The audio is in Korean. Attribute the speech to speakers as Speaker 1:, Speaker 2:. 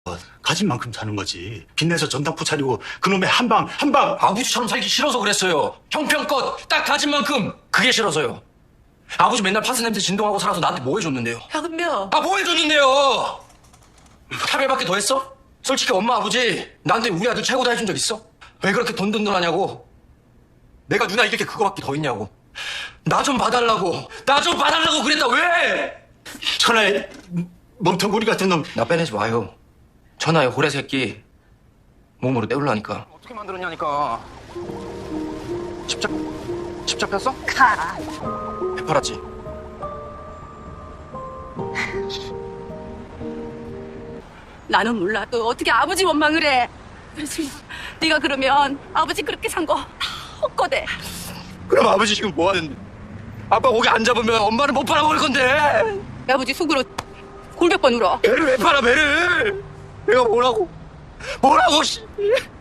Speaker 1: 가진 만큼 사는 거지. 빚내서 전당포 차리고 그놈의 한방
Speaker 2: 아버지처럼 살기 싫어서 그랬어요. 형편껏 딱 가진 만큼 그게 싫어서요. 아버지 맨날 파스 냄새 진동하고 살아서 나한테 뭐 해줬는데요?
Speaker 3: 현명.
Speaker 2: 뭐 해줬는데요? 차별받게 더 했어? 솔직히 엄마 아버지 나한테 우리 아들 최고다 해준 적 있어? 왜 그렇게 돈돈돈하냐고? 내가 누나 이길 게 그거밖에 더 있냐고? 나 좀 봐달라고 그랬다. 왜?
Speaker 1: 천하의 멍텅구리 같은 놈.
Speaker 2: 나 빼내지 마요. 천하의 호래 새끼 몸으로 때우려니까. 어떻게 만들었냐니까. 집 잡혔어?
Speaker 3: 가.
Speaker 2: 배 팔았지.
Speaker 3: 나는 몰라도 어떻게 아버지 원망을 해. 그렇지만 네가 그러면 아버지 그렇게 산 거 다 헛거대.
Speaker 2: 그럼 아버지 지금 뭐 하는데? 아빠 고기 안 잡으면 엄마는 못 팔아먹을 건데.
Speaker 3: 아버지 속으로 골백 번 울어.
Speaker 2: 배를 왜 팔아 배를? 내가 뭐라고 씨.